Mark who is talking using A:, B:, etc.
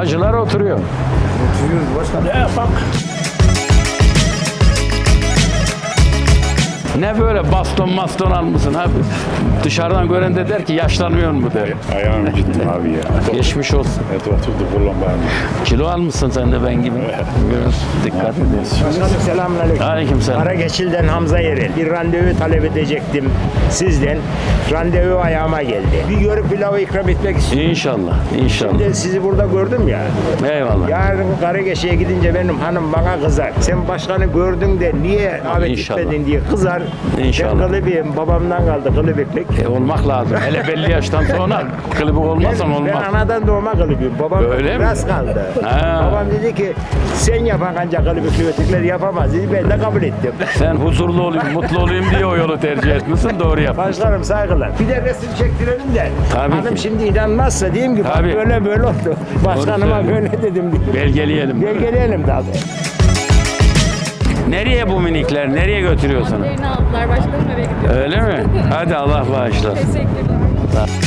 A: Hacılar oturuyor.
B: Oturuyoruz başkanım.
A: Ne yapalım? Ne böyle baston almışsın abi? Dışarıdan gören de der ki yaşlanmıyor mu der.
C: Ayağım gitti abi ya.
A: Geçmiş olsun.
C: Evet oturdu kullan bari.
A: Kilo almışsın sen de ben gibi. Biraz dikkat edin.
B: Başkanım selamünaleyküm.
A: Aleykümselam.
B: Karageçil'den Hamza Yerel. Bir randevu talep edecektim sizden. Randevu ayağıma geldi. Bir görüp pilavı ikram etmek istiyorum.
A: İnşallah, inşallah.
B: Şimdi sizi burada gördüm ya.
A: Eyvallah.
B: Yarın Karageç'e gidince benim hanım bana kızar. Sen başkanı gördün de niye davet
A: İnşallah.
B: etmedin diye kızar.
A: İnşallah.
B: Ben kılıbıyım. Babamdan kaldı kılıbıklık.
A: Olmak lazım. Hele belli yaştan sonra klibik olmazsan
B: Ben
A: olmaz.
B: anadan doğma kılıbıyım. Babam
A: Öyle mi?
B: biraz kaldı.
A: Ha.
B: Babam dedi ki sen yapan ancak kılıbıklı ötekiler yapamaz dedi. Ben de kabul ettim.
A: Sen huzurlu olayım, mutlu olayım diye o yolu tercih etmişsin. Doğru yap.
B: Başkanım saygılar. Bir de resim çektirelim de.
A: Tabii
B: Hanım
A: ki.
B: şimdi inanmazsa diyeyim ki bak
A: Tabii.
B: böyle oldu. Başkanıma
A: söylüyorsun.
B: böyle dedim diye.
A: Belgeleyelim.
B: Belgeleyelim tabii.
A: Nereye bu minikler? Nereye götürüyorsun?
D: Yerini aldılar. Başkanım eve gidiyor.
A: Öyle mi? Hadi Allah bağışlasın.
D: Teşekkürler.